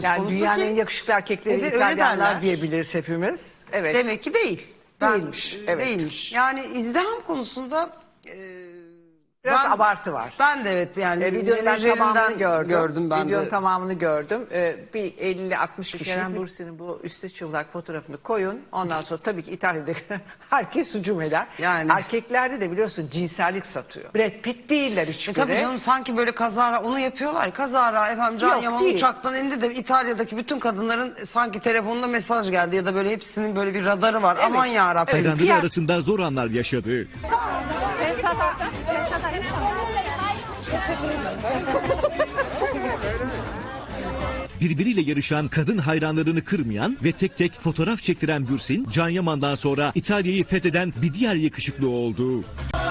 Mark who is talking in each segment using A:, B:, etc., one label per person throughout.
A: söz
B: Yani
A: konusu
B: dünyanın
A: ki.
B: en yakışıklı erkekleri
A: Evet, öyle
B: İtalyanlar
A: derler.
B: diyebiliriz hepimiz. Evet.
A: Demek ki değil.
B: Değilmiş, evet.
A: Değilmiş. Yani izdiham konusunda
B: Biraz abartı var.
A: Ben de evet yani
B: Videonun ben tamamını
A: gördüm ben
B: Videonun
A: de.
B: tamamını gördüm. Bir 50-60 kişi Kerem Bürsin'in bu üstü çıplak fotoğrafını koyun. Ondan sonra tabii ki İtalya'da herkes hücum eder.
A: Yani.
B: Erkeklerde de biliyorsun cinsellik satıyor. Brad Pitt değiller hiçbiri.
A: Tabii canım sanki böyle kazara onu yapıyorlar. Kazara efendim Can
B: Yok,
A: Yaman
B: değil.
A: uçaktan indi de İtalya'daki bütün kadınların sanki telefonunda mesaj geldi ya da böyle hepsinin böyle bir radarı var.
B: Evet.
A: Aman yarabbim.
C: Hayranları arasında zor anlar yaşadı. Birbiriyle yarışan, kadın hayranlarını kırmayan ve tek tek fotoğraf çektiren Bürsin, Can Yaman'dan sonra İtalya'yı fetheden bir diğer yakışıklı oldu.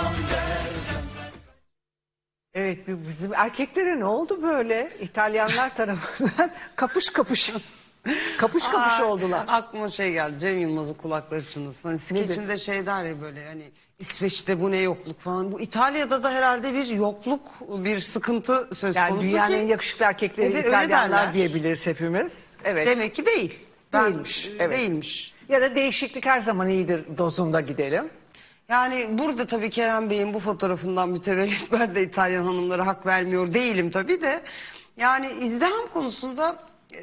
B: Evet, bizim erkeklere ne oldu böyle? İtalyanlar tarafından kapış kapış. Kapış kapış oldular.
A: Aklıma şey geldi. Cem Yılmaz'ın kulakları çınlasın. Hani skeçinde şey der ya böyle hani İsveç'te bu ne yokluk falan. Bu İtalya'da da herhalde bir yokluk, bir sıkıntı söz
B: Yani
A: konusu
B: dünyanın
A: ki.
B: en yakışıklı erkekleri
A: Evet, öyle
B: İtalyanlar
A: derler.
B: diyebiliriz hepimiz. Evet.
A: Demek ki değil.
B: Değilmiş. Evet.
A: Değilmiş.
B: Ya da değişiklik her zaman iyidir dozunda gidelim.
A: Yani burada tabii Kerem Bey'in bu fotoğrafından mütevellit ben de İtalyan hanımlara hak vermiyor değilim tabii de. Yani izdiham konusunda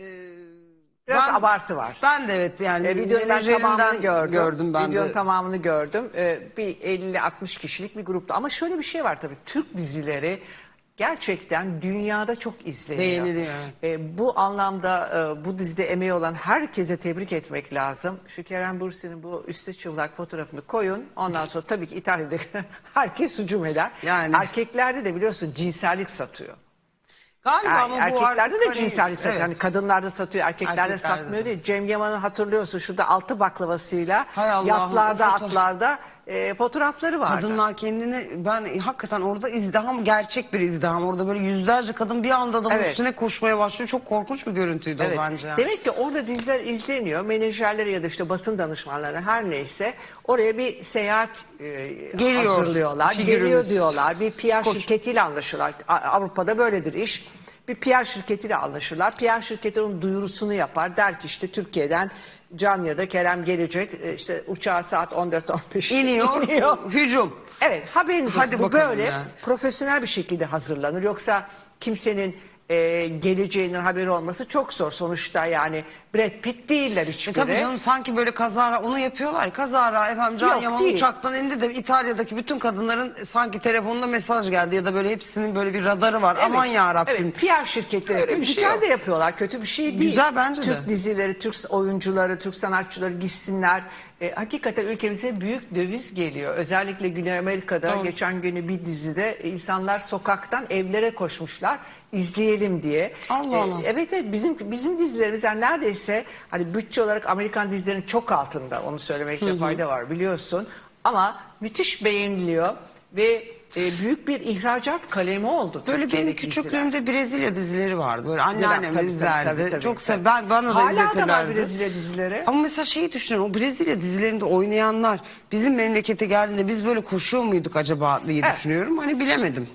B: Biraz abartı var.
A: Ben de evet yani
B: Videonun ben tamamını
A: gördüm ben
B: Videonun
A: de.
B: tamamını gördüm. Bir 50-60 kişilik bir grupta. Ama şöyle bir şey var tabii. Türk dizileri gerçekten dünyada çok izleniyor.
A: Beğeniliyor.
B: Bu anlamda bu dizide emeği olan herkese tebrik etmek lazım. Şu Kerem Bürsin'in bu üstü çıplak fotoğrafını koyun. Ondan sonra tabii ki İtalya'da herkes hücum eder.
A: Yani.
B: Erkeklerde de biliyorsun cinsellik satıyor.
A: Galiba
B: Yani
A: ama bu
B: erkeklerde
A: artık
B: de
A: hani-
B: cinsellik satıyor.
A: evet.
B: Hani kadınlarda satıyor, erkeklerde
A: Erkeklerde
B: satmıyor
A: de.
B: değil. Cem Yaman'ı hatırlıyorsun şurada altı baklavasıyla
A: Hay Allah'ım,
B: yatlarda,
A: o fotoğraf.
B: atlarda fotoğrafları vardı.
A: Kadınlar kendini ben hakikaten orada izdiham gerçek bir izdiham. Orada böyle yüzlerce kadın bir anda da
B: Evet.
A: üstüne koşmaya başlıyor. Çok korkunç bir görüntüydü
B: Evet.
A: o bence.
B: Demek ki orada diziler izleniyor. Menajerleri ya da işte basın danışmanları her neyse oraya bir seyahat
A: Geliyor,
B: hazırlıyorlar.
A: figürümüz.
B: Geliyor diyorlar. Bir PR şirketiyle anlaşırlar. Avrupa'da böyledir iş. Bir PR şirketiyle anlaşırlar. PR şirketi onun duyurusunu yapar. Der ki işte Türkiye'den Can ya da Kerem gelecek. İşte uçağı saat 14-15
A: İniyor. Hücum.
B: Evet, haberiniz olsun.
A: Hadi
B: Bu
A: bakalım
B: böyle
A: ya.
B: profesyonel bir şekilde hazırlanır. Yoksa kimsenin geleceğinin haberi olması çok zor. Sonuçta yani Brad Pitt değiller hiçbiri.
A: Tabii canım sanki böyle kazara onu yapıyorlar. Kazara efendim Can
B: Yok,
A: Yaman
B: değil.
A: uçaktan indi de İtalya'daki bütün kadınların sanki telefonunda mesaj geldi ya da böyle hepsinin böyle bir radarı var.
B: Evet,
A: Aman yarabbim.
B: Evet, PR şirketleri
A: Öyle bir şey
B: güzel
A: yok.
B: de yapıyorlar. Kötü bir şey değil.
A: Güzel bence de.
B: Türk dizileri, Türk oyuncuları, Türk sanatçıları gitsinler. Hakikaten ülkemize büyük döviz geliyor. Özellikle Güney Amerika'da
A: Doğru.
B: geçen günü bir dizide insanlar sokaktan evlere koşmuşlar izleyelim diye.
A: Allah Allah.
B: Evet, bizim dizilerimiz yani neredeyse hani bütçe olarak Amerikan dizilerinin çok altında, onu söylemekte fayda var biliyorsun. Ama müthiş beğeniliyor ve büyük bir ihracat kalemi oldu.
A: Böyle benim
B: Türkiye'deki diziler.
A: küçüklüğümde Brezilya dizileri vardı. Böyle anneannem
B: Tabii,
A: izlerdi.
B: tabii,
A: Çok
B: tabii.
A: sever. Bana da
B: Hala da
A: izletirlerdi.
B: var Brezilya dizileri.
A: Ama mesela şeyi düşünüyorum. O Brezilya dizilerinde oynayanlar bizim memlekete geldiğinde biz böyle koşuyor muyduk acaba diye
B: Evet.
A: düşünüyorum. Hani bilemedim.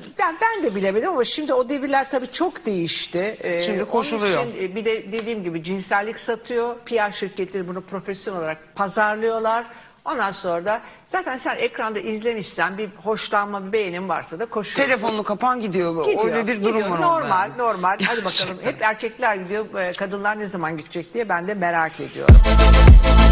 B: Ben de bilemedim ama şimdi o devirler tabii çok değişti.
A: Şimdi
B: Onun
A: koşuluyor.
B: için, bir de dediğim gibi cinsellik satıyor. PR şirketleri bunu profesyonel olarak pazarlıyorlar. Ondan sonra da zaten sen ekranda izlemişsen bir hoşlanma, bir beğenin varsa da koşuyorsun.
A: Telefonunu kapan gidiyor.
B: Gidiyor,
A: Öyle bir durum
B: gidiyor.
A: var
B: Normal,
A: orada.
B: normal. Hadi bakalım. Hep erkekler gidiyor. Kadınlar ne zaman gidecek diye ben de merak ediyorum.